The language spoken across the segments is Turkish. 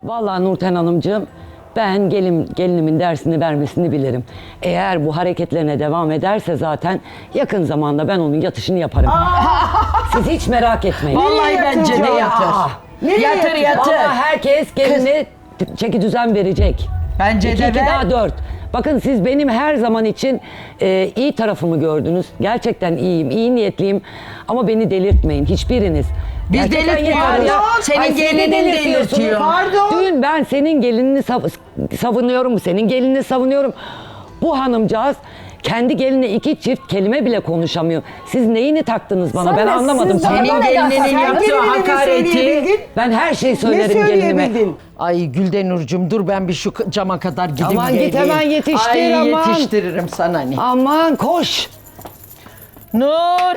Vallahi Nurten Hanımcığım, ben gelinimin dersini vermesini bilirim. Eğer bu hareketlerine devam ederse zaten yakın zamanda ben onun yatışını yaparım. Siz hiç merak etmeyin. Vallahi bence de yatır. Yatır yatır. Vallahi herkes geline çeki düzen verecek. Bence de 2 ver. daha 4. Bakın siz benim her zaman için iyi tarafımı gördünüz. Gerçekten iyiyim, iyi niyetliyim. Ama beni delirtmeyin hiçbiriniz. Biz Gerçekten delirtmiyoruz. yeter ya. Senin Ay, siz de gelinin delirtiyorsunuz. delirtiyor. Pardon. Dün ben senin gelinini savunuyorum, senin gelinini savunuyorum. Bu hanımcağız kendi geline 2 çift kelime bile konuşamıyor. Siz neyini taktınız bana? Ben anlamadım. siz bana Senin neden gelininin sen yaptığı gelinine hakareti. söyleyebildin? Ben her şeyi Ne söylerim gelinime. söyleyebildin? Ay Güldenur'cum dur ben bir şu cama kadar gideyim Aman git, geleyim. hemen yetiştir, Ay, aman. yetiştiririm sana ne. Aman koş. Nur.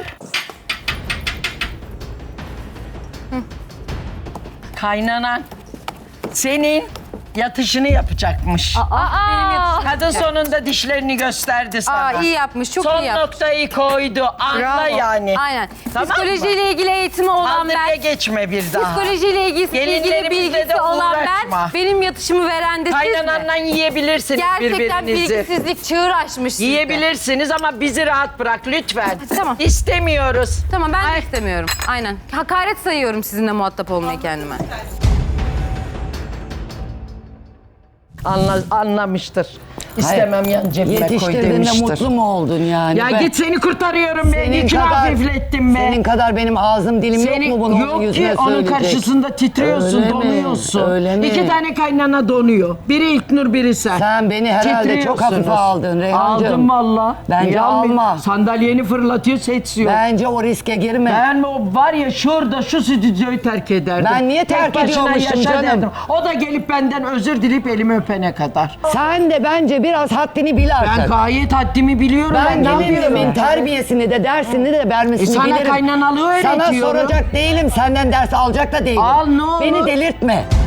Kaynanan senin yatışını yapacakmış. Kadın sonunda dişlerini gösterdi sana. iyi yapmış, çok Son iyi yapmış. noktayı koydu. Anla Bravo. yani. Aynen. Tamam mı? Psikolojiyle ilgili eğitimi olan Kaldır ve ben, geçme bir daha. psikolojiyle ilgili Gelinlerimizle bilgisi de olan uğraşma. ben, benim yatışımı veren de siz mi? Kaynananla yiyebilirsiniz Gerçekten birbirinizi. bilgisizlik çığır açmış sizde. Yiyebilirsiniz ama bizi rahat bırak lütfen. Tamam. İstemiyoruz. Tamam ben de istemiyorum. Aynen. Hakaret sayıyorum sizinle muhatap olmayı kendime. Anlamıştır. İstemem yan cebime koy Yetiştirdiğinde demiştir. mutlu mu oldun yani? Ya Ben- git seni kurtarıyorum be. Yükünü hafiflettim be. Senin kadar benim ağzım dilim Senin yok mu bunu onun yok yüzüne ki onun söyleyecek? karşısında titriyorsun, Öyle mi? donuyorsun. Öyle mi? 2 tane kaynana donuyor. Biri İlknur, biri sen. Sen beni herhalde çok hafife Titriyorsunuz. aldın Reyhancığım. Aldım valla. Bence Niye almayayım? alma. Sandalyeni fırlatıyor, seçiyor. Bence o riske girme. Ben o var ya şurada şu stüdyoyu terk ederdim. Ben niye Tek terk başına ediyormuşum yaşa canım? derdim. O da gelip benden özür dileyip elimi öpene kadar. Sen de bence biraz haddini bil artık. Ben gayet haddimi biliyorum. Ben ne yapıyorum? gelinimin terbiyesini de dersini de vermesini sana bilirim. kaynanalığı Sana öğretiyorum. soracak değilim, senden ders alacak da değilim. Al, ne olur. Beni delirtme.